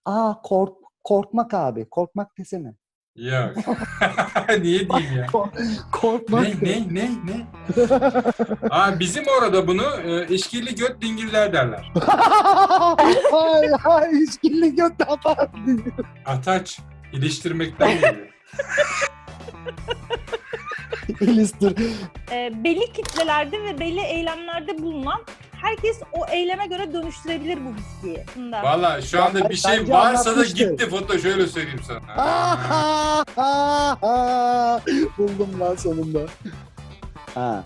Korkmak abi. Korkmak desene. Yok. Niye diyeyim ya? Korkmak de. Ne? Bizim orada bunu işkilli göt dingiller derler. Ay, işkilli göt yapar. Ataç. İliştirmekten geliyor. İlistir. Belli kitlelerde ve belli eylemlerde bulunan herkes o eyleme göre dönüştürebilir bu bilgiyi. Valla şu anda bir şey Bence varsa da anlatmıştır. gitti foto, şöyle söyleyeyim sana. Buldum lan sonunda. Ha.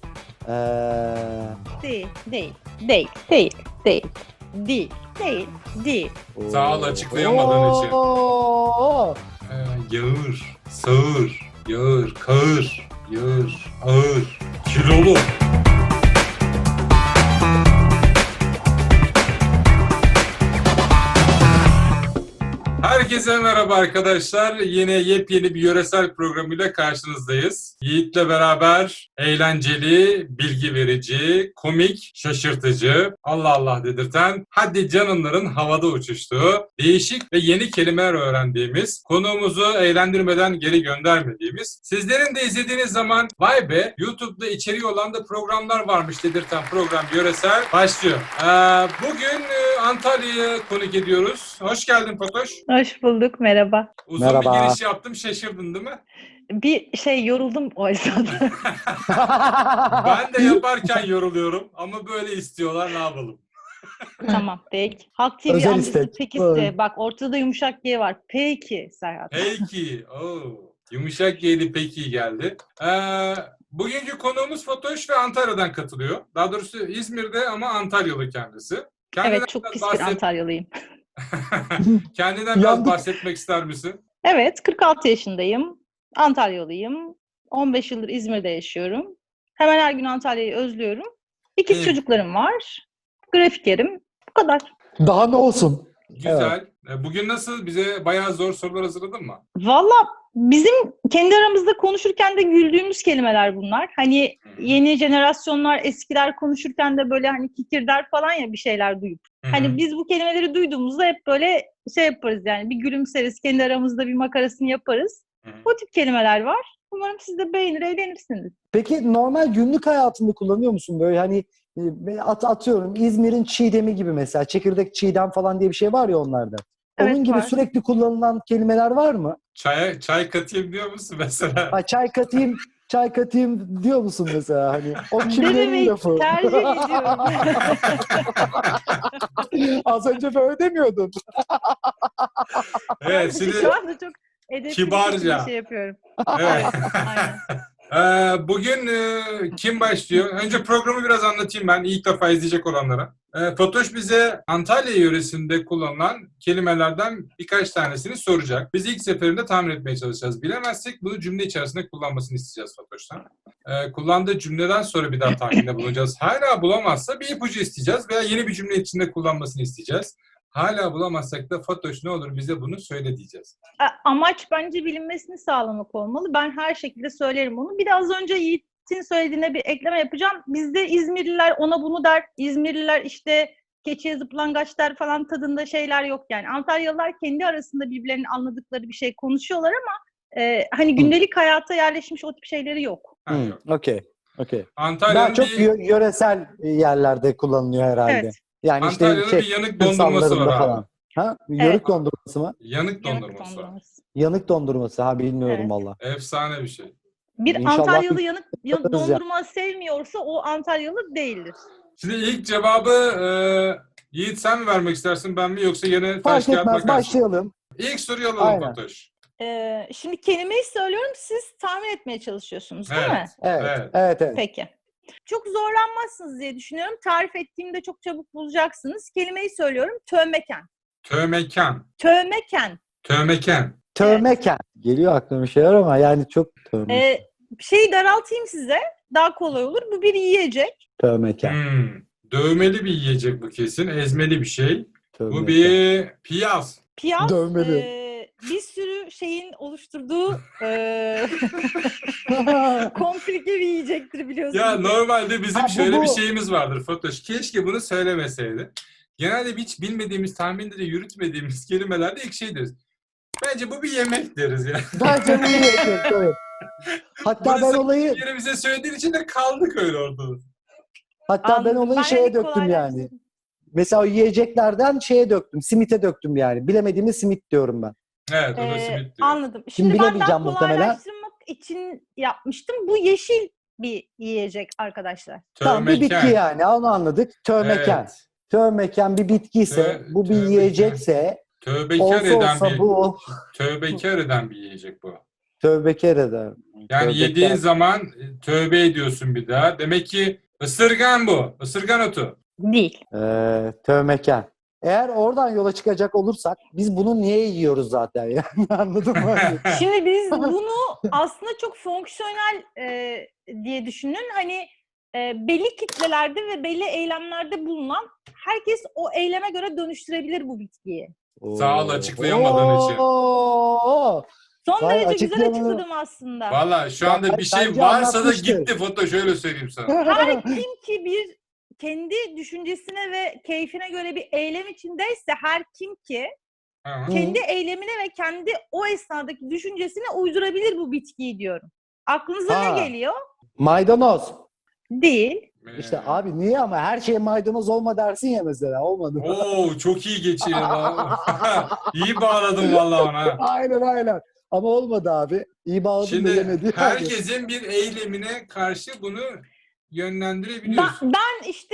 Değil. Sağ ol açıklayamadığın için. Oo. Yağır, sağır, yağır, kağır, yağır, ağır, kilolu. Herkese merhaba arkadaşlar. Yine yepyeni bir yöresel programıyla karşınızdayız. Yiğit'le beraber eğlenceli, bilgi verici, komik, şaşırtıcı, Allah Allah dedirten, hadi canınların havada uçuştuğu, değişik ve yeni kelimeler öğrendiğimiz, konuğumuzu eğlendirmeden geri göndermediğimiz, sizlerin de izlediğiniz zaman vay be YouTube'da içeriği olan da programlar varmış dedirten program Yöresel başlıyor. Bugün Antalya'ya konuk ediyoruz. Hoş geldin Fatoş. Hoş bulduk, merhaba. Uzun Merhaba. bir giriş yaptım, şaşırdın değil mi? Bir yoruldum o esnada. Ben de yaparken yoruluyorum ama böyle istiyorlar, ne yapalım? Tamam, peki. Halk TV Özel amcası istek. peki Böyle. iste. Bak ortada yumuşak G var. Peki Serhat. Peki. Yumuşak G'li peki geldi. Bugünkü konuğumuz Fatoş ve Antalya'dan katılıyor. Daha doğrusu İzmir'de ama Antalyalı kendisi. Evet, çok pis bir Antalyalıyım. Kendinden biraz Yandık. bahsetmek ister misin? Evet, 46 yaşındayım. Antalyalıyım. 15 yıldır İzmir'de yaşıyorum. Hemen her gün Antalya'yı özlüyorum. İkiz Evet. çocuklarım var. Grafikerim. Bu kadar. Daha ne olsun? Güzel. Bugün nasıl? Bize bayağı zor sorular hazırladın mı? Valla bizim kendi aramızda konuşurken de güldüğümüz kelimeler bunlar. Hani yeni jenerasyonlar, eskiler konuşurken de böyle hani kikirder falan ya bir şeyler duyup. Hani biz bu kelimeleri duyduğumuzda hep böyle şey yaparız yani bir gülümseriz, kendi aramızda bir makarasını yaparız. O tip kelimeler var. Umarım siz de beğenir, eğlenirsiniz. Peki normal günlük hayatında kullanıyor musun böyle hani atıyorum İzmir'in çiğdemi gibi mesela çekirdek çiğdem falan diye bir şey var ya onlarda. Onun Evet, gibi var. sürekli kullanılan kelimeler var mı? Çay katayım diyor musun mesela? Ha, çay katayım diyor musun mesela hani? O kimlerin Dememeyi lafı? tercih ediyorum. Az önce böyle demiyordun. Evet, şimdi Şu anda çok edepli kibarca. bir şekilde şey yapıyorum. evet. Aynen. Bugün kim başlıyor? Önce programı biraz anlatayım ben ilk defa izleyecek olanlara. Fatoş bize Antalya yöresinde kullanılan kelimelerden birkaç tanesini soracak. Biz ilk seferinde tahmin etmeye çalışacağız. Bilemezsek bunu cümle içerisinde kullanmasını isteyeceğiz Fatoş'tan. Kullandığı cümleden sonra bir daha tahminde bulacağız. Hala bulamazsa bir ipucu isteyeceğiz veya yeni bir cümle içinde kullanmasını isteyeceğiz. Hala bulamazsak da Fatoş ne olur bize bunu söyle diyeceğiz. Amaç bence bilinmesini sağlamak olmalı. Ben her şekilde söylerim onu. Bir de az önce Yiğit'in söylediğine bir ekleme yapacağım. Bizde İzmirliler ona bunu der. İzmirliler işte keçiye zıplangaç der falan tadında şeyler yok yani. Antalyalılar kendi arasında birbirlerinin anladıkları bir şey konuşuyorlar ama hani gündelik hayata yerleşmiş o tip şeyleri yok. Okey. Daha Antalya'nın çok yöresel yerlerde kullanılıyor herhalde. Evet. Yani işte Antalya'nın bir yanık dondurması var abi. falan. Ha? Evet. Yörük dondurması mı? Yanık Yanık dondurması var. dondurması. Yanık dondurması. Ha bilmiyorum Evet. valla. Efsane bir şey. Bir İnşallah Antalyalı bir yanık yaparız ya. dondurma sevmiyorsa o Antalyalı değildir. Şimdi ilk cevabı Yiğit sen mi vermek istersin ben mi yoksa yine taş Fark kağıt etmez. makas mı? Başlayalım. İlk soruyu alalım Aynen. Fatoş. Şimdi kelimeyi söylüyorum, siz tahmin etmeye çalışıyorsunuz değil mi? Evet. Peki. Çok zorlanmazsınız diye düşünüyorum. Tarif ettiğimde çok çabuk bulacaksınız. Kelimeyi söylüyorum. Tövmeken. Tövmeken. Tövmeken. Tövmeken. Tövmeken. Geliyor aklıma bir şeyler ama yani çok tövmeken. Şeyi daraltayım size. Daha kolay olur. Bu bir yiyecek. Tövmeken. Dövmeli bir yiyecek bu kesin. Ezmeli bir şey. Tövmeken. Bu bir piyaz. Piyaz. Dövmeli. Bir sürü şeyin oluşturduğu komplike bir yiyecektir biliyorsunuz. Ya normalde bizim Ha, şöyle bu. bir şeyimiz vardır Fatoş. Keşke bunu söylemeseydi. genelde hiç bilmediğimiz, tahminde de yürütmediğimiz kelimelerde ilk şey deriz. Bence bu bir yemek deriz ya. Bence bu iyi yapıyor, tabii. Hatta Bunu ben olayı yerimize söylediğin için de kaldık öyle ortada. ben olayı Ben şeye hani döktüm yani. kolaylaştırdım. Mesela o yiyeceklerden şeye döktüm. Simite döktüm yani. Bilemediğimiz simit diyorum ben. Evet, o da simit diyor. Anladım. Şimdi Şimdi ben daha bilemeyeceğim muhtemelen. kolaylaştırmak için yapmıştım. Bu yeşil bir yiyecek arkadaşlar. Tamam, bir bitki Tövmeken. yani. Onu anladık. Tövmeken. Evet. Tövmeken bir bitkiyse, bu bir tövmeken. yiyecekse, Tövbekar olsa eden olsa bir bu tövbekar eden bir yiyecek bu. tövbekar eder. Yani Tövbekar. yediğin zaman tövbe ediyorsun bir daha. Demek ki ısırgan bu. Isırgan otu. Değil. Tövmeken. Eğer oradan yola çıkacak olursak biz bunu niye yiyoruz zaten yani anladın mı? Şimdi biz bunu aslında çok fonksiyonel diye düşünün. Hani belli kitlelerde ve belli eylemlerde bulunan herkes o eyleme göre dönüştürebilir bu bitkiyi. Sağ ol açıklayamadığın için. Oo. Son Vay, derece güzel açıklamalı. açıkladım aslında. Valla şu Ya anda bir şey bence varsa da anlatmıştır. gitti foto, şöyle söyleyeyim sana. Her kim ki bir kendi düşüncesine ve keyfine göre bir eylem içindeyse her kim ki Ha. kendi eylemine ve kendi o esnadaki düşüncesine uydurabilir bu bitkiyi diyorum. Aklınıza Ha. ne geliyor? Maydanoz. Değil. İşte abi niye ama her şey maydanoz olma dersin ya mesela, olmadı mı? Oo, çok iyi geçiyor. İyi bağladın valla ona. Aynen. Ama olmadı abi. İyi bağladım da Şimdi yemedi. yani. herkesin bir eylemine karşı bunu yönlendirebiliyorsun. Ben işte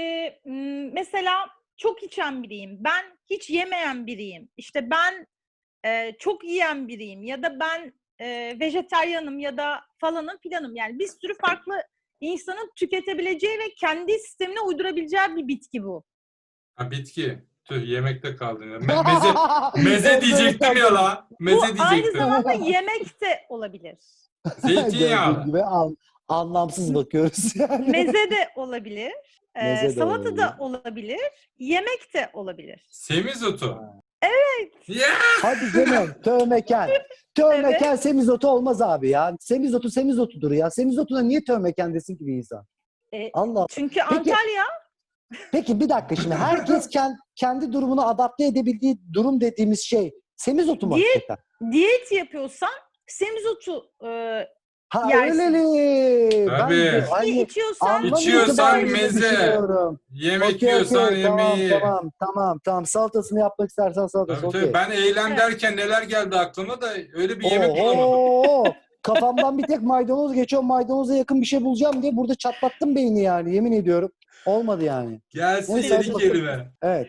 mesela çok içen biriyim. Ben hiç yemeyen biriyim. İşte ben çok yiyen biriyim. Ya da ben vejetaryenim ya da falanım filanım. Yani bir sürü farklı insanın tüketebileceği ve kendi sistemine uydurabileceği bir bitki bu. Ha, bitki. Tüh, yemekte kaldın ya. Meze diyecektim ya la. Bu Meze aynı diyecektim. zamanda yemek de olabilir. Gördüğün Zeytinyağlı. gibi anlamsız bakıyoruz yani. Meze de olabilir. Meze de Salata olabilir. da olabilir. Yemek de olabilir. Semizotu. Evet. Ya! Hadi canım, tövmeken. Tövmeken semizotu olmaz abi ya. Semizotu semizotudur ya. Semizotuna niye tövmeken desin ki bir insan? Allah Allah. Çünkü Peki- Antalya Peki bir dakika, şimdi herkes kendi durumunu adapte edebildiği durum dediğimiz şey semizotu mu Diyet- hakikaten? diyet yapıyorsan semizotu Ha yersin. öyleli. Tabii. Ben de içki hani içiyorsan anlamıyor ki İçiyorsan ben öyle meze. düşünüyorum. Yemek Okey, yiyorsan tamam, yemeği. tamam. Salatasını yapmak istersen salatası, Tabii, okey. ben eylem Evet. derken neler geldi aklıma da öyle bir yemek bulamadım. Oho! Kafamdan bir tek maydanoz geçiyor. Maydanoza yakın bir şey bulacağım diye burada çatlattım beyni yani. Yemin ediyorum. Olmadı yani. Gelsin Neyse, hadi yeni bakalım. kelime. Evet.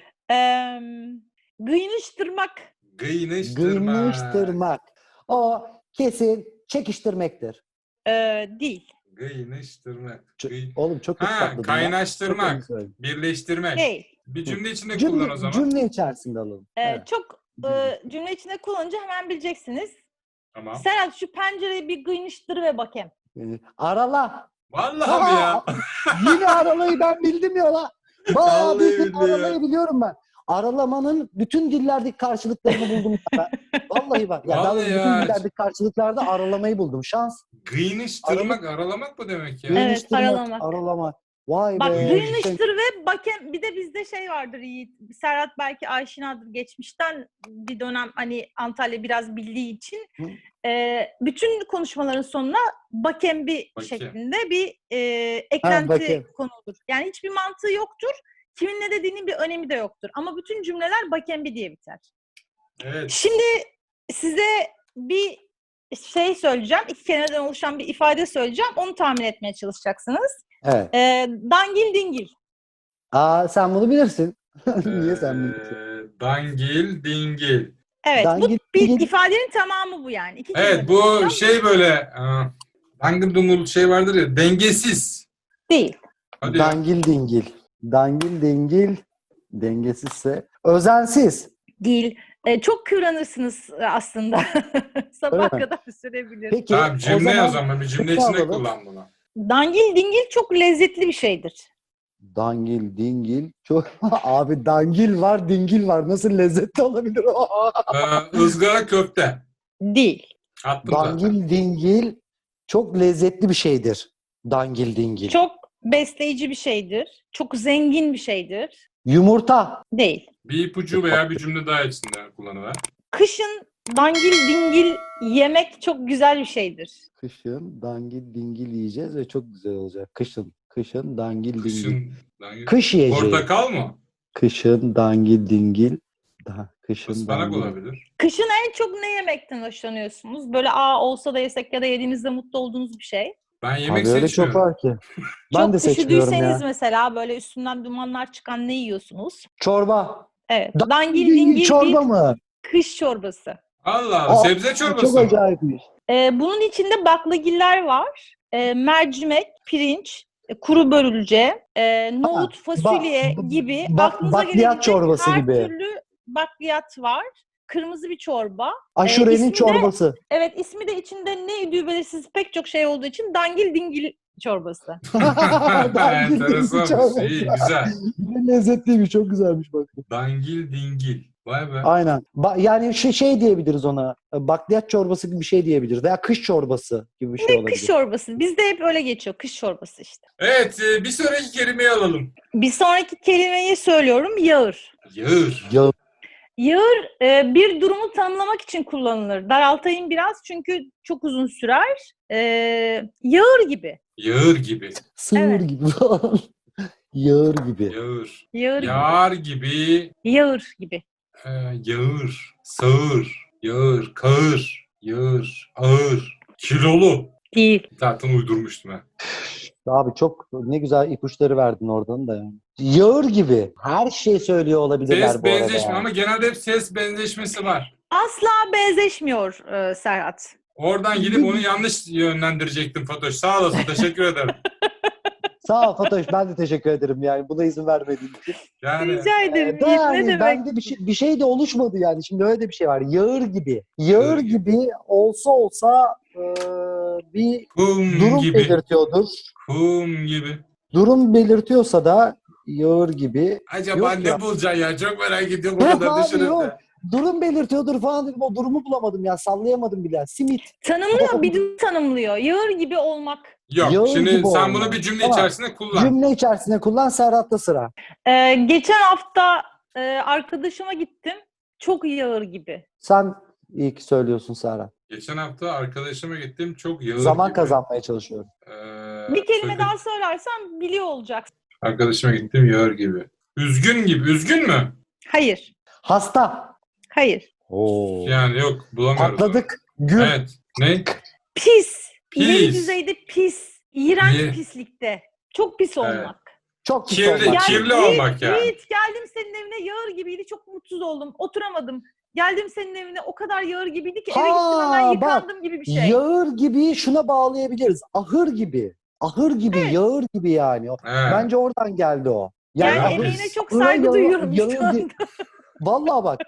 gıyınıştırmak. Gıyınıştırma. Gıymıştırmak. O kesin çekiştirmektir. Değil. Gıyınıştırmak. Oğlum çok kötü Ha, patladım ya. Çok kaynaştırmak. yanlış söyledim. Birleştirmek. Değil. Bir cümle içinde kullan o zaman. Cümle içerisinde alalım. Evet. Çok cümle içinde kullanınca hemen bileceksiniz. Tamam. Serhat şu pencereyi bir gıyınıştır ve bakayım. Arala. Vallahi ya. Yine aralayı ben bildim ya la. Bayağı Vallahi bir billahi ya. aralayı biliyorum ben. Aralamanın bütün dillerdeki karşılıklarını buldum ben. Vallahi bak. Ya Vallahi ben bütün ya. dillerdeki karşılıklarda aralamayı buldum. Şans. Gıyınıştırmak, aralamak mı demek ya? Evet, Gıyınıştırmak, aralamak. aralamak. Vay Bak be. gıyınıştır ve bakayım. Bir de bizde şey vardır Yiğit. Serhat belki aşinadır geçmişten bir dönem hani Antalya biraz bildiği için. Hı. Bütün konuşmaların sonuna bakembi Bakem. şeklinde bir eklenti bakem. konulur. Yani hiçbir mantığı yoktur. Kimin ne dediğinin bir önemi de yoktur. Ama bütün cümleler bakembi diye biter. Evet. Şimdi size bir şey söyleyeceğim. İki kelimeden oluşan bir ifade söyleyeceğim. Onu tahmin etmeye çalışacaksınız. Evet. Dangil dingil. Sen bunu bilirsin. Niye sen bilirsin? Dangil, dingil. Evet, Dangil bu bir dingil. ifadenin tamamı bu yani. İki Evet, kelimeden bu oluşan şey böyle dangıl dungul şey vardır ya, dengesiz. değil. Hadi ya. Dangil dingil. Dangil dingil. Dengesizse. Özensiz. Değil. Çok kıvranırsınız aslında. Sabah Öyle mi? kadar sürebilir. Peki Tamam, cümle o zaman. Bir cümle içinde alalım. kullan bunu. Dangil dingil çok lezzetli bir şeydir. Dangil dingil. Çok abi dangil var, dingil var. Nasıl lezzetli olabilir o? Izgara köfte. Değil. Attım zaten. Dangil dingil çok lezzetli bir şeydir. Dangil dingil. Çok besleyici bir şeydir. Çok zengin bir şeydir. Yumurta. Değil. Bir ipucu veya bir cümle daha içinde kullanıver. Kışın dangil dingil yemek çok güzel bir şeydir. Kışın dangil dingil yiyeceğiz ve çok güzel olacak. Kışın dangil dingil. Kışın. Kış yiyeceği. Portakal mı? Kışın dangil dingil. Kışın Ispanak dangil. olabilir. Kışın en çok ne yemekten hoşlanıyorsunuz? Böyle olsa da yesek ya da yediğinizde mutlu olduğunuz bir şey. Ben yemek Abi öyle çok seçmiyorum. var ki. Ben de Çok seçmiyorum üşüdüyseniz ya. mesela böyle üstünden dumanlar çıkan ne yiyorsunuz? Çorba. Evet. Dangil Dangil dingil dingil çorba bir mı? kış çorbası. Allah Allah. Aa, Sebze çok çorbası mı? acayipmiş. Bunun içinde baklagiller var. Mercimek, pirinç, kuru börülce, nohut, fasulye gibi aklınıza Bakliyat gelebilecek çorbası her gibi. türlü bakliyat var. Kırmızı bir çorba. Aşurenin ismi de- çorbası. Evet, ismi de içinde ne idüğü belirsiz pek çok şey olduğu için dangil dingil çorbası. Dangil dingil Enteresanmış. çorbası. İyi, güzel. Lezzetliymiş, çok güzelmiş bak. Dangil dingil. Vay be. Aynen. Yani şey diyebiliriz ona. Bakliyat çorbası gibi bir şey diyebiliriz. Veya kış çorbası gibi bir şey olabilir. Kış çorbası. Bizde hep öyle geçiyor. Kış çorbası işte. Evet, bir sonraki kelimeyi alalım. Bir sonraki kelimeyi söylüyorum. Yağır. Yağır. Ya, Yağır bir durumu tanımlamak için kullanılır. Daraltayım biraz çünkü çok uzun sürer. Yağır gibi. Yağır gibi. sığır Evet. gibi falan. Yağır gibi. Yağır. Yağır gibi. Yağar gibi. Yağır gibi. Yağır. Sağır. Yağır. Kağır. Yağır. Ağır. Kilolu. Değil. Zaten uydurmuştum ha. Abi çok ne güzel ipuçları verdin oradan da yani. Yağır gibi. Her şey söylüyor olabilirler Ses bu arada. benzeşme yani. ama genelde hep ses benzeşmesi var. Asla benzeşmiyor Serhat. Oradan gidip onu yanlış yönlendirecektim Fatoş. Sağ olasın. Teşekkür ederim. Sağ ol Fatoş. Ben de teşekkür ederim yani. Buna izin vermediğin için. Yani Rica ederim. Da Yiğit, ne yani demek? bende bir şey de oluşmadı yani. Şimdi öyle de bir şey var. Yağır gibi. Yağır gibi olsa bir kum durum gibi. belirtiyordur. Kum gibi. Durum belirtiyorsa da yağır gibi. Acaba Yok ne ya. bulacaksın ya? Çok merak ediyorum. O kadar Abi düşünüp yok. de. Durum belirtiyordur falan dedim. O durumu bulamadım ya. Sallayamadım bile. Simit. Tanımlıyor, bir durum tanımlıyor. Yağır gibi olmak. Yok. Yağır Şimdi gibi sen olma. bunu bir cümle Tamam. içerisinde kullan. Cümle içerisinde kullan. Serhat'ta sıra. Geçen hafta arkadaşıma gittim. Çok yağır gibi. Sen iyi ki söylüyorsun Serhat. Geçen hafta arkadaşıma gittim. Çok yağır Zaman gibi. kazanmaya çalışıyorum. Bir kelime söyle. daha söylersen biliyor olacaksın. Arkadaşıma gittim yağır gibi. Üzgün gibi. Üzgün mü? Hayır. Hasta. Hayır. Oo. Yani yok bulamıyoruz. Patladık. Gül. Evet. Ne? Pis. İleri Pis. düzeyde pis. İğrenç İyi. pislikte. Çok pis olmak. Çok pis Kirli, olmak. kirli olmak yani. Yiğit, geldim senin evine yağır gibiydi. Çok mutsuz oldum. Oturamadım. Geldim senin evine o kadar yağır gibiydi ki eve gittim hemen yıkandım gibi bir şey. Yağır gibi şuna bağlayabiliriz. Ahır gibi. Ahır gibi, yağır gibi yani. Evet. Bence oradan geldi o. Yani Yağır. emeğine çok ahıra saygı duyuyorum yağır şu anda. Vallahi bak,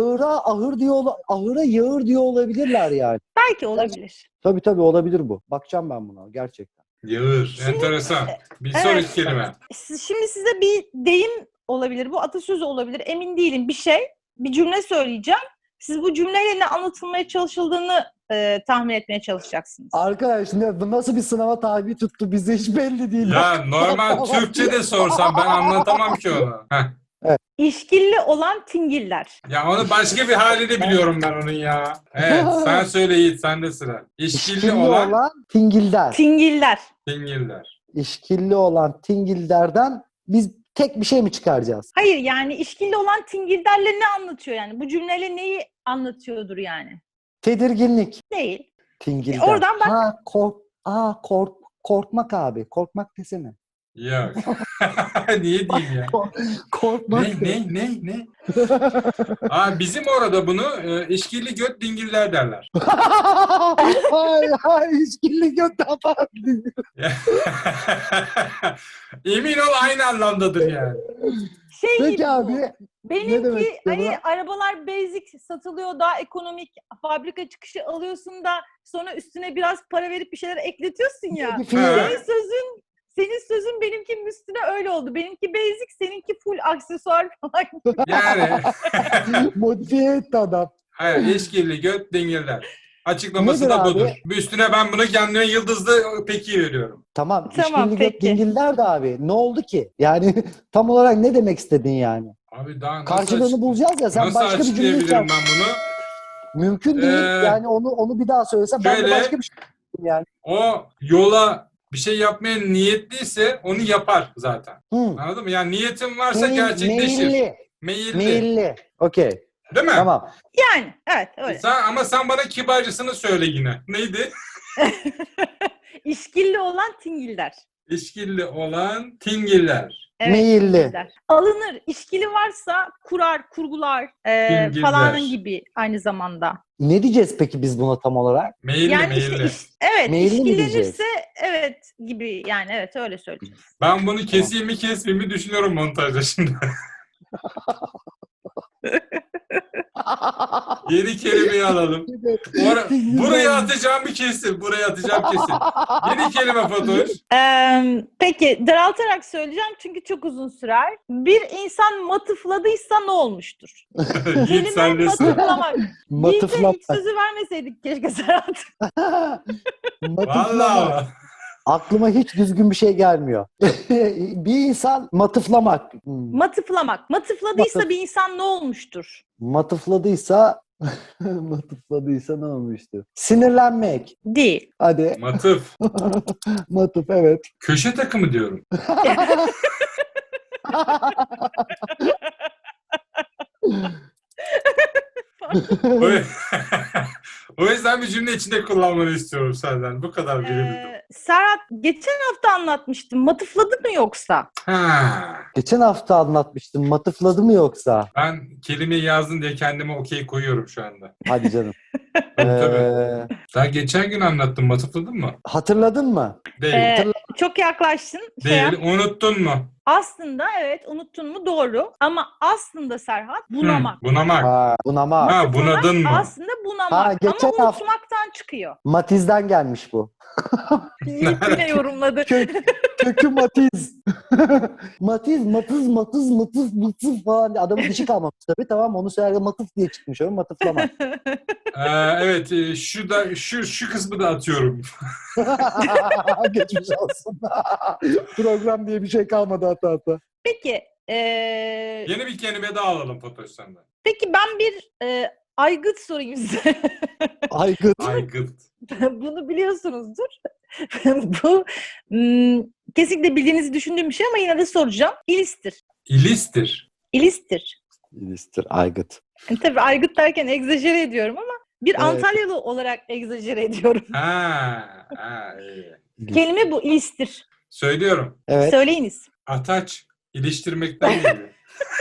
ahıra yağır diyor olabilirler yani. Belki olabilir. Tabii olabilir bu. Bakacağım ben buna gerçekten. Yağır. Şimdi- Enteresan. Bir Evet. sonraki kelime. Şimdi size bir deyim olabilir. Bu atasözü olabilir. Emin değilim. Bir cümle söyleyeceğim. Siz bu cümleyle ne anlatılmaya çalışıldığını tahmin etmeye çalışacaksınız. Arkadaş bu nasıl bir sınava tabi tuttu bize hiç belli değil. Ya normal Türkçe de sorsam ben anlatamam ki onu. Heh. İşkilli olan tingiller. Ya onu başka bir halini biliyorum ben onun ya. Evet sen söyle Yiğit sende sıra. İşkilli olan tingilder. Tingiller. dingiller. İşkilli olan tingilderden biz tek bir şey mi çıkaracağız? Hayır, yani işkilli olan tingillerle ne anlatıyor yani? Bu cümleyle neyi anlatıyordur yani? Tedirginlik. Değil. Tingilder. Oradan bak. Korkmak abi. Korkmak desene. Yok. Niye diyeyim ya? Korkmak. Ne? Bizim orada bunu işkilli göt dingiller derler. Hayır, işkilli götten falan. Emin ol aynı anlamdadır yani. Şey gibi Peki bu. abi. Ne Benimki demek hani istiyor arabalar basic satılıyor, daha ekonomik, fabrika çıkışı alıyorsun da sonra üstüne biraz para verip bir şeyler ekletiyorsun ya. Bir fiil. Senin sözün benimkinin üstüne öyle oldu. Benimki basic, seninki full aksesuar falan. Yani. Modifiye etti adam. Hayır, işkilli göt dingiller. Açıklaması Nedir da abi? budur. Üstüne ben bunu kendime yıldızlı peki veriyorum. Tamam. Tamam, İşkilli peki. dingiller de abi. Ne oldu ki? Yani tam olarak ne demek istedin yani? Abi daha Karşılığını bulacağız ya. Sen nasıl başka bir cümle açıklayabilirim içersin. ben bunu? Mümkün değil. Yani onu bir daha söylesen ben de şöyle- başka bir şey yani. O yola bir şey yapmaya niyetliyse onu yapar zaten. Hı. Anladın mı? Yani niyetin varsa gerçekleşir. Meyilli. Meyilli. Meyilli. Okey. Değil mi? Tamam. Yani evet öyle. Ama sen bana kibarcasını söyle yine. Neydi? İşkilli olan tingiller. İşkilli olan tingiller. Evet, Meyilli. tingiller. Alınır. İşkili varsa kurar, kurgular Tingiller. falan gibi aynı zamanda. Ne diyeceğiz peki biz buna tam olarak? Meyilli Yani meyilli. işte evet Meyilli mi diyeceğiz? işkillenirse evet gibi yani evet öyle söyleyeceğiz. Ben bunu keseyim mi kesmeyeyim mi düşünüyorum montajda şimdi. Yeni kelimeyi alalım. Buraya atacağım bir kesin. Buraya atacağım kesin. Yeni kelime Fatoş. Peki daraltarak söyleyeceğim çünkü çok uzun sürer. Bir insan matıfladıysa ne olmuştur? Yiğit Kelime sendesin. matıflamak. Yiğit'e Matıflamak. hiç sözü vermeseydik keşke Serhat. Matıflamak. Vallahi. Aklıma hiç düzgün bir şey gelmiyor. Bir insan matıflamak. Matıflamak. Matıfladıysa Matıf. bir insan ne olmuştur? Matıfladıysa matıfladıysa ne olmuştu? Sinirlenmek. Değil. Hadi. Matıf. Matıf evet. Köşe takımı diyorum. O, o yüzden bir cümle içinde kullanmanı istiyorum senden. Bu kadar bilebildim. Serhat geçen hafta anlatmıştım. Matıfladı mı yoksa? Ha. Geçen hafta anlatmıştım. Matıfladı mı yoksa? Ben kelimeyi yazdın diye kendime okey koyuyorum şu anda. Hadi canım. Tabii. Daha geçen gün anlattım. Matıfladın mı? Hatırladın mı? Değil. Çok yaklaştın. Değil. Unuttun mu? Aslında evet unuttun mu doğru ama aslında Serhat bunamak. Bunamak. Ha, bunamak. Ha, bunadın mı? Aslında bunamak Ha, geçen ama hafta- unutmaktan çıkıyor. Matiz'den gelmiş bu. Yiğit yine yorumladı. Kökü Matiz. Matiz, matıf falan diye. Adamın dişi kalmamış tabii. Tamam onu söylerken matıf diye çıkmış. Öyle matıflamak. Evet. Şu kısmı da atıyorum. Geçmiş olsun. Program diye bir şey kalmadı hatta. Peki Yeni bir kelime daha alalım Fatoş senden. peki ben bir aygıt sorayım size. Aygıt. Aygıt. Bunu biliyorsunuzdur. Bu kesinlikle bildiğinizi düşündüğüm bir şey ama yine de soracağım. İlistir. İlistir. İlistir. İlistir, aygıt. Yani tabii aygıt derken egzajere ediyorum ama bir Evet. Antalyalı olarak egzajere ediyorum. İyi. Kelime bu ilistir. Söylüyorum. Evet. Söyleyiniz. Ataç. İliştirmekten geliyor.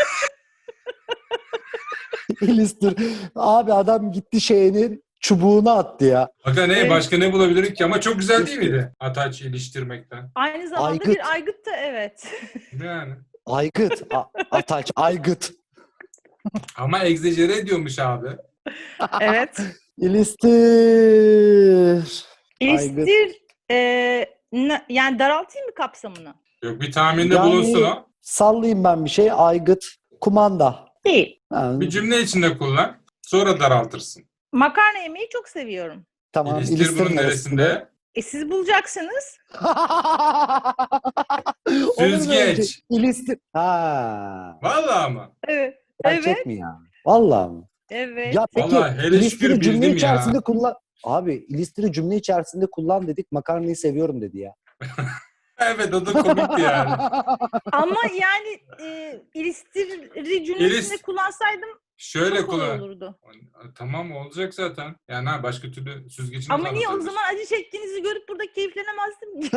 İlistir. Abi adam gitti şeyinin çubuğunu attı ya. Bakın Evet. başka ne bulabilirim ki? Ama çok güzel değil miydi? Ataç iliştirmekten. Aynı zamanda Aygıt. bir aygıt da evet. Yani. Aygıt. Ataç, aygıt. Ama egzajere ediyormuş abi. Evet. İlistir. İlistir yani daraltayım mı kapsamını? Yok bir tahminde Yani- bulunsun o. Sallayayım ben bir şey. Aygıt. Kumanda. Değil. Ha, Bir cümle içinde kullan. Sonra daraltırsın. Makarna yemeyi çok seviyorum. tamam. İlistir İlistir bunun neresinde? Siz bulacaksınız. Olur mu öyle şey? Süzgeç. İlistir. Ha. Vallahi mı? Evet. Gerçek Evet. mi ya? Vallahi mi? Evet. Ya peki Vallahi hele şükür ilistiri cümle bildim içerisinde ya. kullan. Abi ilistiri cümle içerisinde kullan dedik. Makarnayı seviyorum dedi ya. Evet o da komikti yani. Ama yani ilistiri cümlesinde kullansaydım Şöyle çok kolay kullan. olurdu. Tamam olacak zaten. Yani başka türlü süzgecini Ama niye o anlatabilirsin. zaman acı çektiğinizi görüp burada keyiflenemezdim?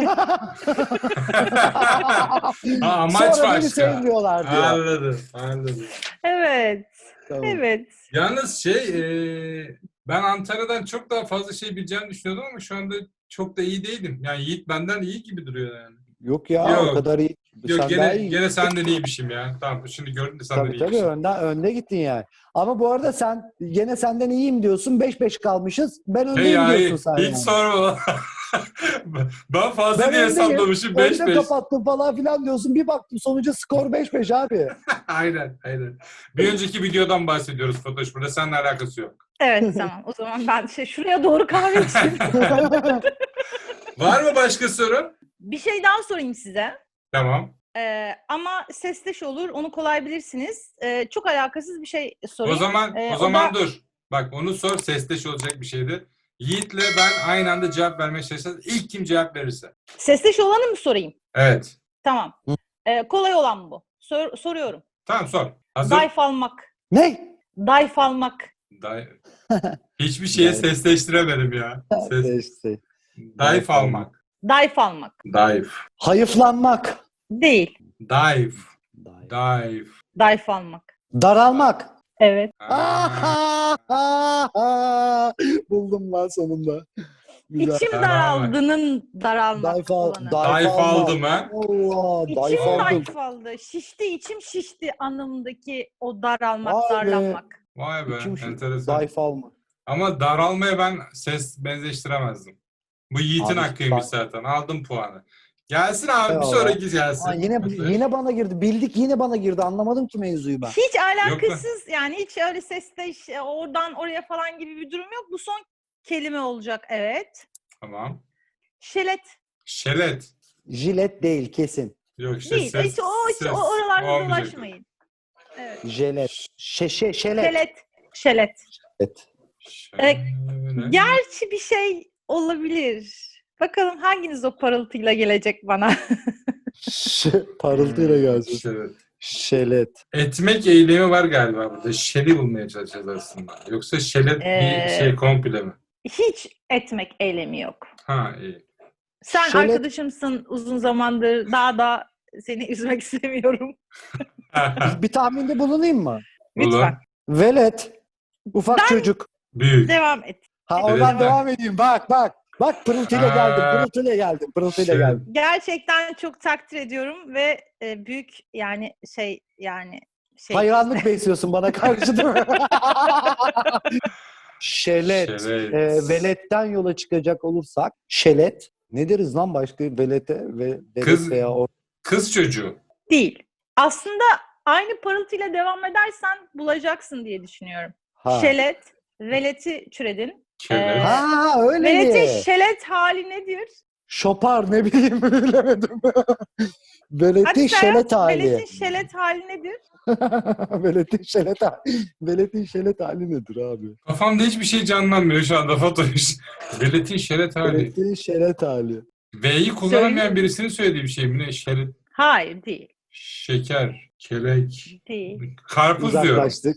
Amaç Sonra beni başka. sevmiyorlar diyor. Anladım. Evet. Tamam. Evet. Yalnız ben Antalya'dan çok daha fazla şey bileceğimi düşünüyordum ama şu anda çok da iyi değilim. Yani Yiğit benden iyi gibi duruyor yani. Yok ya Yok. o kadar iyi. Yok Sen daha iyi. gene senden iyiymişim ya. Tamam şimdi gördün de senden Tabii iyiymişim. önde gittin yani. Ama bu arada sen gene senden iyiyim diyorsun. 5-5 kalmışız. Ben öndeyim ya diyorsun sen hiç yani. sorma. Ben fazla Ben diye öndeyim. hesaplamışım Önde 5-5. kapattım falan filan diyorsun. Bir baktım sonucu skor 5-5 abi. Aynen. Bir önceki videodan bahsediyoruz Fatoş. Burada seninle alakası yok. Evet tamam. O zaman ben şuraya doğru kahve içeyim. Var mı başka soru? Bir şey daha sorayım size. Tamam. Ama sesleş olur. Onu kolay bilirsiniz. Çok alakasız bir şey sorayım. O zaman dur. Bak onu sor, sesleş olacak bir şeydi. Yiğit'le ben aynı anda cevap vermeye çalışacağız. İlk kim cevap verirse. Sesleş olanı mı sorayım? Evet. Tamam. Kolay olan bu. Soruyorum. Tamam sor. Hazır. Dayf almak. Ne? Dayf almak. Hiçbir şeye Dayf. sesleştiremedim ya. İşte. Dayf almak. Dayf almak. Dayf. Hayıflanmak. Değil. Dayf. Dayf. Dayf almak. Daralmak. Evet. Buldum lan sonunda. Güzel. İçim Daralmak. daraldının daralmak olanı. Dayf aldım ha. Allah, dayf İçim aldım. dayf aldı. Şişti içim şişti anlamındaki o daralmak, Vay be. darlanmak. Vay be, İçim enteresan. dayf alma. Ama daralmaya ben ses benzeştiremezdim. Bu Yiğit'in Abi, hakkıymış zaten. Aldım puanı. Gelsin abi, bir Eyvallah. sonraki gelsin. Aa, yine bana girdi. Bildik, yine bana girdi. Anlamadım ki mevzuyu ben. Hiç alakasız yani hiç öyle sesle oradan oraya falan gibi bir durum yok. Bu son kelime olacak evet. Tamam. Şelet. Şelet. Jilet değil kesin. Yok işte Değil. ses. Hiç oralarda olmayacak. dolaşmayın. Evet. Jelet. Şelet. Şelet. Şelet. Şelet. Gerçi bir şey olabilir. Bakalım hanginiz o parıltıyla gelecek bana. Parıltıyla gelsin. Şelet. Şelet. Etmek eylemi var galiba burada. Şeli bulmaya çalışacağız aslında. Yoksa şelet bir şey komple mi? Hiç etmek eylemi yok. Ha iyi. Sen Şelet- arkadaşımsın uzun zamandır. Daha da seni üzmek istemiyorum. Bir tahminde bulunayım mı? Lütfen. Velet. Ufak çocuk. Büyük. Devam et. Ha Evet. oradan devam edeyim. Bak. Bak pırıltıyla geldim. Pırıltıyla Şey- geldim. Gerçekten çok takdir ediyorum ve büyük yani şey Hayranlık besliyorsun bana karşı değil mi? Şelet. Şelet. Veletten yola çıkacak olursak şelet. Ne deriz lan başka velete ve Kız- veya o. Kız çocuğu. değil. Aslında aynı parıltıyla devam edersen bulacaksın diye düşünüyorum. Ha. Şelet, veleti türedin. Şelet. Ha öyle Veletin mi? şelet hali nedir? Şopar ne bileyim bilemedim. Veletin Hadi sen şelet yaz, hali. veletin şelet hali nedir? Veletin şelet hali. Veletin şelet hali nedir abi? Kafamda hiçbir şey canlanmıyor şu anda Fatoş. Veletin şelet hali. Veletin şelet hali. V'yi kullanamayan Söyleyeyim. birisinin söylediği bir şey mi? Ne? Şelet, Hayır değil. şeker, kelek, Değil. karpuz diyorum. Uzaklaştık.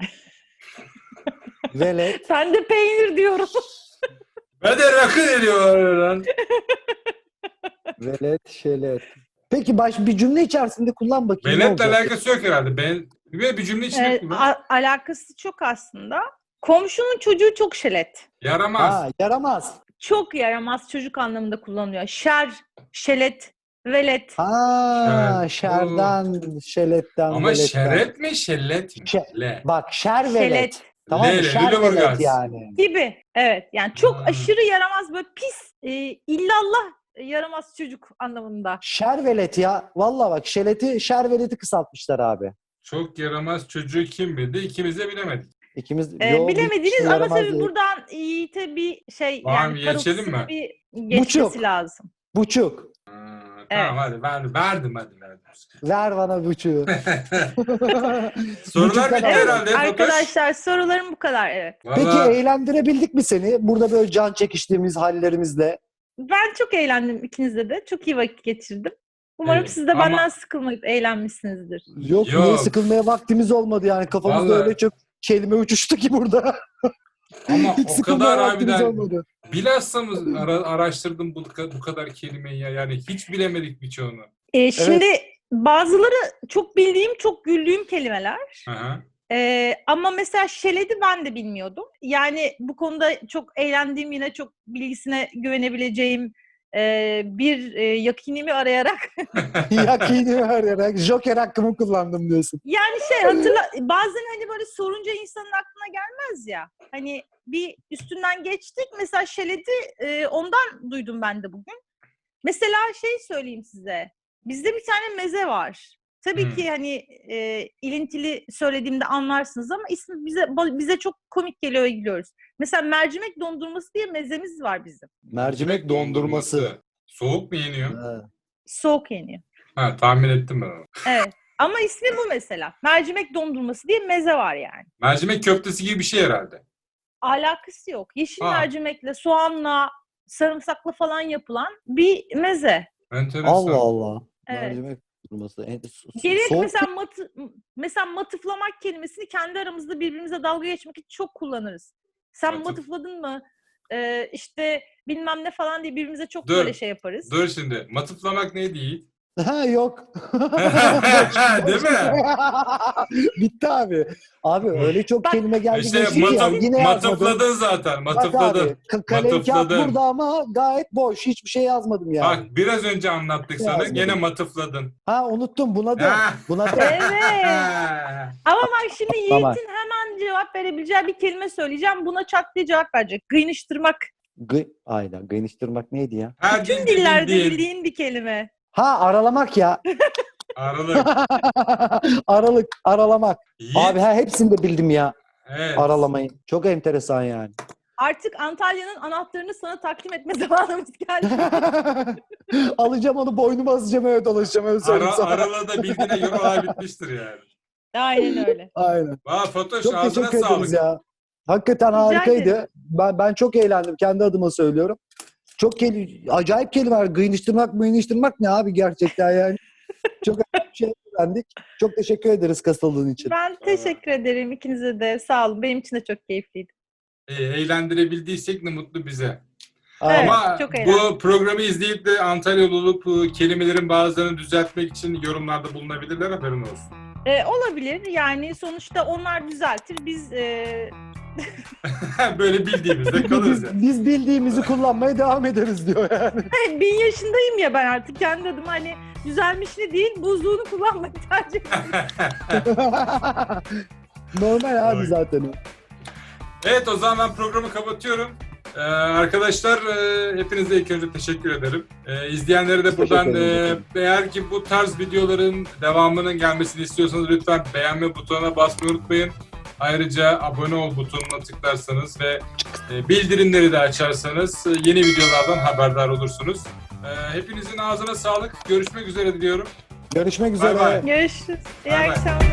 Velet. Ben de peynir diyorum. Ben de rakı ediyor lan. Velet şelet. Peki bir cümle içerisinde kullan bakayım. ne Veletle olacak? alakası yok herhalde. Bir cümle içinde kullan. Alakası çok aslında. Komşunun çocuğu çok şelet. Yaramaz. Ha, yaramaz. Çok yaramaz çocuk anlamında kullanılıyor. Şer, şelet, velet. Ha, Şer. şerden, şeletten, Ama veletten. şeret mi, şellet mi? Şe- Bak şer velet. Şelet Tamam mı? Leyla, Şer Lüleburgaz. velet yani. gibi. Evet. Yani çok Ha. aşırı yaramaz böyle pis, illallah yaramaz çocuk anlamında. Şer velet ya. Vallahi bak şer veleti kısaltmışlar abi. Çok yaramaz çocuğu kim bildi? İkimiz de bilemedik. İkimiz Bilemediniz şey ama yaramaz tabii değil. buradan Yiğit'e bir şey Tamam, yani geçelim parıltısını mi? bir geçmesi Buçuk. lazım. Buçuk. Tamam hadi verdim. Ver bana buçuğu. Sorular bitti Evet, herhalde Fatoş. Arkadaşlar sorularım bu kadar evet. Peki Vallahi eğlendirebildik mi seni? Burada böyle can çekiştiğimiz hallerimizle. Ben çok eğlendim ikinizde de. Çok iyi vakit geçirdim. Umarım Evet, siz de ama- benden sıkılmayıp eğlenmişsinizdir. Yok, niye Yok. sıkılmaya vaktimiz olmadı yani. Kafamızda Vallahi. öyle çok kelime uçuştu ki burada. ama Hiç o sıkılmaya kadar vaktimiz harbiden olmadı. bilhassa mı araştırdım bu kadar kelimeyi ya. Yani hiç bilemedik birçoğunu. Şimdi bazıları çok bildiğim, çok güldüğüm kelimeler. Hı hı. Ama mesela şeledi ben de bilmiyordum. Yani bu konuda çok eğlendiğim, yine çok bilgisine güvenebileceğim bir yakinimi arayarak. Yakini arayarak Joker hakkımı kullandım diyorsun. Yani bazen hani böyle sorunca insanın aklına gelmez ya. Hani bir üstünden geçtik. Mesela şeledi ondan duydum ben de bugün. Mesela söyleyeyim size. Bizde bir tane meze var. Tabii Hmm. ki hani ilintili söylediğimde anlarsınız ama ismi bize çok komik geliyor ve gülüyoruz. Mesela mercimek dondurması diye mezemiz var bizim. Mercimek dondurması. Soğuk mu yeniyor? Ha. Soğuk yeniyor. Ha, tahmin ettim ben onu. Evet. Ama ismi bu mesela. Mercimek dondurması diye meze var yani. Mercimek köftesi gibi bir şey herhalde. Alakası yok. Yeşil Ha. mercimekle, soğanla, sarımsakla falan yapılan bir meze. Enteresan. Allah Allah. Evet. Mercimek dondurması. Gerek Soğuk mesela matıflamak kelimesini kendi aramızda birbirimize dalga geçmek için çok kullanırız. Sen Matıf- matıfladın mı? İşte bilmem ne falan diye birbirimize çok Dur, böyle şey yaparız. Dur şimdi. Matıflamak ne değil? Ha yok. Değil mi? Bitti abi. Abi öyle çok Bak, kelime geldi İşte geçti ki ya. Yine yazmadım. matıfladın zaten. Bak Matıfladın. abi kalem kağıt Matıfladın. burada ama gayet boş. Hiçbir şey yazmadım yani. Bak biraz önce anlattık sana. Yazmadım. Gene matıfladın. Ha unuttum buna da. Ha. Buna da. Evet. Ama bak şimdi Tamam. Yiğit'in hemen cevap verebileceği bir kelime söyleyeceğim. Buna çat diye cevap verecek. Gıynıştırmak. Aynen. Gıyınıştırmak neydi ya? Her Tüm dilde dillerde bildiğin bildiğin bir kelime. Ha aralamak ya. aralık. Aralamak. Yiğit. Abi hepsini de bildim ya. Evet. Aralamayı. Çok enteresan yani. Artık Antalya'nın anahtarını sana takdim etme zamanımız geldi. Alacağım onu boynuma asacağım öyle dolaşacağım öyle söyleyeyim sana. Aralığı da bildiğine göre olay bitmiştir yani. Aynen öyle. Aynen. Vay Fatoş Çok ağzına teşekkür ederiz sağlık. ya. Hakikaten Rica harikaydı. ederim. Ben çok eğlendim. Kendi adıma söylüyorum. Acayip kelimeler. Gıyınıştırmak ne abi gerçekten yani. Çok acayip bir şey öğrendik. Çok teşekkür ederiz katıldığın için. Ben teşekkür ederim ikinize de. Sağ olun. Benim için de çok keyifliydi. Eğlendirebildiysek ne mutlu bize. Aynen. Evet, Ama çok eğlendim. bu programı izleyip de Antalyalı olup kelimelerin bazılarını düzeltmek için yorumlarda bulunabilirler, haberin olsun. Olabilir. Yani sonuçta onlar düzeltir. Biz Böyle bildiğimizde kalırız yani. Biz bildiğimizi kullanmaya devam ederiz diyor yani. 1000 yaşındayım ya ben artık kendi adıma hani düzelmişini değil buzluğunu kullanmayı tercih ediyorum. Normal abi Oy. zaten o. Evet, o zaman ben programı kapatıyorum. Arkadaşlar hepinize ilk önce teşekkür ederim. İzleyenlere de buradan Teşekkür ederim. eğer ki bu tarz videoların devamının gelmesini istiyorsanız lütfen beğenme butonuna basmayı unutmayın. Ayrıca abone ol butonuna tıklarsanız ve bildirimleri de açarsanız yeni videolardan haberdar olursunuz. Hepinizin ağzına sağlık. Görüşmek üzere diliyorum. Görüşmek üzere. Bay bay. Görüşürüz. İyi Bay bay. akşamlar.